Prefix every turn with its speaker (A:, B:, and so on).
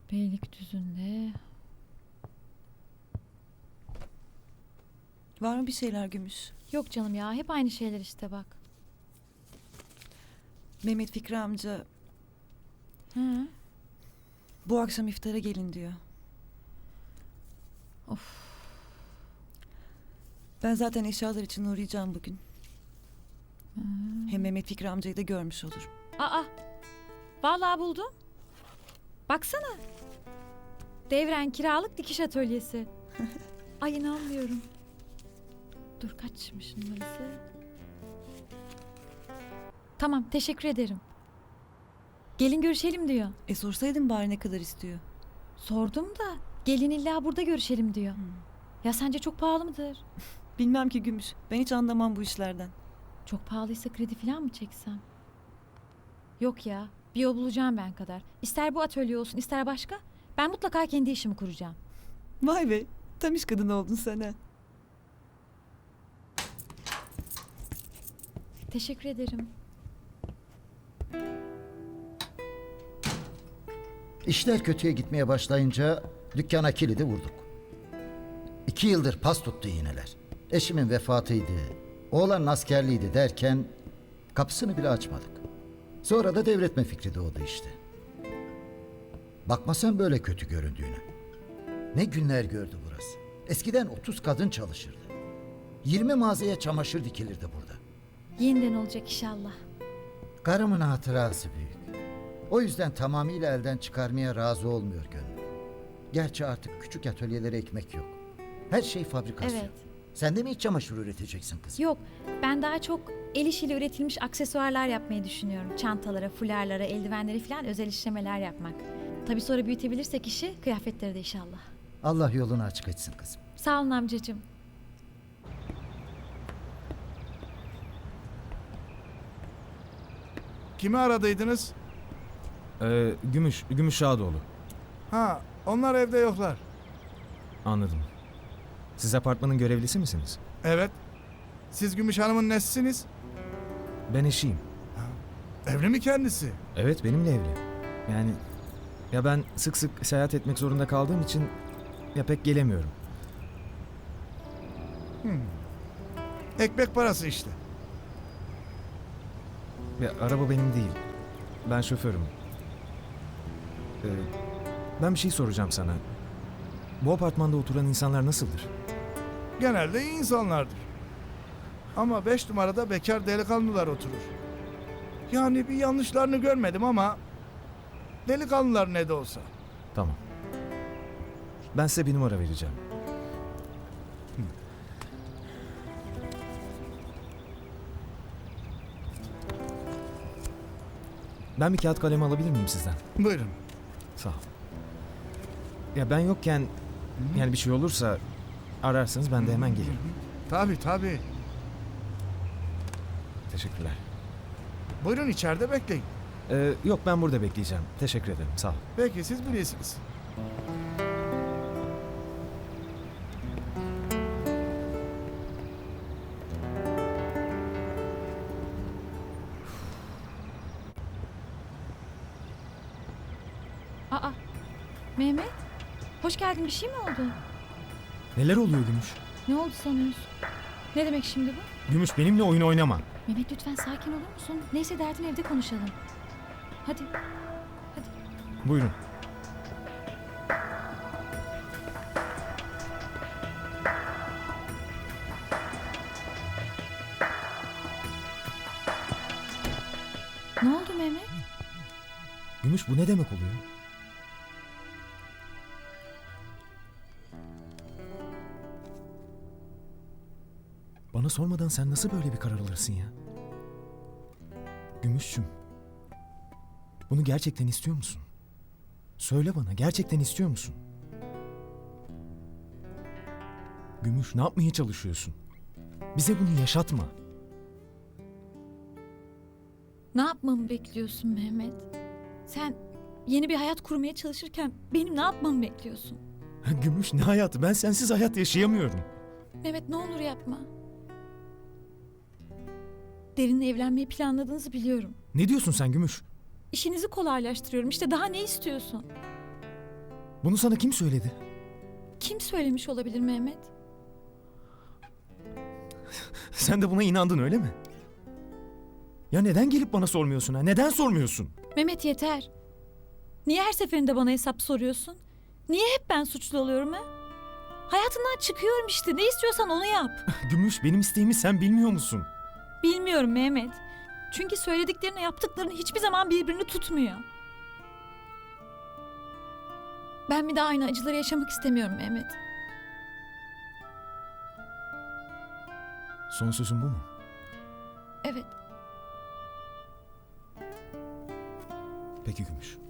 A: Beylikdüzü'nde.
B: Var mı bir şeyler Gümüş?
A: Yok canım ya, hep aynı şeyler işte bak.
B: Mehmet Fikri amca
A: Hı.
B: bu akşam iftara gelin diyor.
A: Of.
B: Ben zaten eşyalar için uğrayacağım bugün. Hem Mehmet Fikri amcayı da görmüş olurum.
A: Aa, vallahi buldum. Baksana. Devren kiralık dikiş atölyesi. Ay inanmıyorum. Dur kaçmış numarası? Tamam, teşekkür ederim. Gelin görüşelim diyor.
B: Sorsaydın bari ne kadar istiyor?
A: Sordum da gelin illa burada görüşelim diyor. Ya sence çok pahalı mıdır?
B: Bilmem ki Gümüş. Ben hiç anlamam bu işlerden.
A: Çok pahalıysa kredi falan mı çeksem? Yok ya, bir yol bulacağım ben kadar. İster bu atölye olsun, ister başka. Ben mutlaka kendi işimi kuracağım.
B: Vay be. Tam iş kadını oldun sen ha.
A: Teşekkür ederim.
C: İşler kötüye gitmeye başlayınca dükkana kilidi vurduk. 2 yıldır pas tuttu iğneler. Eşimin vefatıydı, oğlanın askerliğiydi derken kapısını bile açmadık. Sonra da devretme fikri doğdu işte. Bakma sen böyle kötü göründüğüne. Ne günler gördü burası. Eskiden 30 kadın çalışırdı. 20 mağazaya çamaşır dikilirdi burada.
A: Yeniden olacak inşallah.
C: Karımın hatırası büyük. O yüzden tamamıyla elden çıkarmaya razı olmuyor gönlüm. Gerçi artık küçük atölyelere ekmek yok. Her şey fabrikasyon.
A: Evet.
C: Sen de mi iç çamaşır üreteceksin kızım?
A: Yok, ben daha çok el işiyle üretilmiş aksesuarlar yapmayı düşünüyorum. Çantalara, fularlara, eldivenlere falan özel işlemeler yapmak. Tabii sonra büyütebilirsek işi, kıyafetleri de inşallah.
C: Allah yolunu açık etsin kızım.
A: Sağ olun amcacığım.
D: Kimi aradıydınız?
E: Gümüş Şadoğlu.
D: Ha, onlar evde yoklar.
E: Anladım. Siz apartmanın görevlisi misiniz?
D: Evet. Siz Gümüş Hanım'ın nesisiniz?
E: Ben eşiyim.
D: Evli mi kendisi?
E: Evet, benimle evli. Yani ya ben sık sık seyahat etmek zorunda kaldığım için ya pek gelemiyorum.
D: Ekmek parası işte.
E: Ya araba benim değil. Ben şoförüm. Ben bir şey soracağım sana. Bu apartmanda oturan insanlar nasıldır?
D: Genelde iyi insanlardır. Ama 5 numarada bekar delikanlılar oturur. Yani bir yanlışlarını görmedim ama delikanlılar ne de olsa.
E: Tamam. Ben size bir numara vereceğim. Ben bir kağıt kalem alabilir miyim sizden?
D: Buyurun.
E: Sağ ol. Ya ben yokken yani bir şey olursa ararsanız ben de hemen gelirim.
D: Tabii tabii.
E: Teşekkürler.
D: Buyurun içeride bekleyin.
E: Yok ben burada bekleyeceğim. Teşekkür ederim. Sağ ol.
D: Peki siz bilirsiniz.
A: Aa, Mehmet. Hoş geldin, bir şey mi oldu?
E: Neler oluyor Gümüş?
A: Ne oldu sanıyorsun? Ne demek şimdi bu?
E: Gümüş benimle oyun oynama.
A: Mehmet lütfen sakin olur musun? Neyse derdin evde konuşalım. Hadi. Hadi.
E: Buyurun.
A: Ne oldu Mehmet?
E: Gümüş bu ne demek oluyor? Bana sormadan sen nasıl böyle bir karar alırsın ya? Gümüşçüm. Bunu gerçekten istiyor musun? Söyle bana, gerçekten istiyor musun? Gümüş, ne yapmaya çalışıyorsun? Bize bunu yaşatma.
A: Ne yapmamı bekliyorsun Mehmet? Sen yeni bir hayat kurmaya çalışırken benim ne yapmamı bekliyorsun?
E: Gümüş, ne hayatı? Ben sensiz hayat yaşayamıyorum.
A: Mehmet ne olur yapma. Derin'le evlenmeyi planladığınızı biliyorum.
E: Ne diyorsun sen Gümüş?
A: İşinizi kolaylaştırıyorum. İşte daha ne istiyorsun?
E: Bunu sana kim söyledi?
A: Kim söylemiş olabilir Mehmet?
E: Sen de buna inandın öyle mi? Ya neden gelip bana sormuyorsun ha? Neden sormuyorsun?
A: Mehmet yeter. Niye her seferinde bana hesap soruyorsun? Niye hep ben suçlu oluyorum ha? Hayatından çıkıyorum işte. Ne istiyorsan onu yap.
E: Gümüş, benim isteğimi sen bilmiyor musun?
A: Bilmiyorum Mehmet. Çünkü söylediklerinle yaptıkların hiçbir zaman birbirini tutmuyor. Ben bir daha aynı acıları yaşamak istemiyorum Mehmet.
E: Son sözün bu mu?
A: Evet.
E: Peki Gümüş.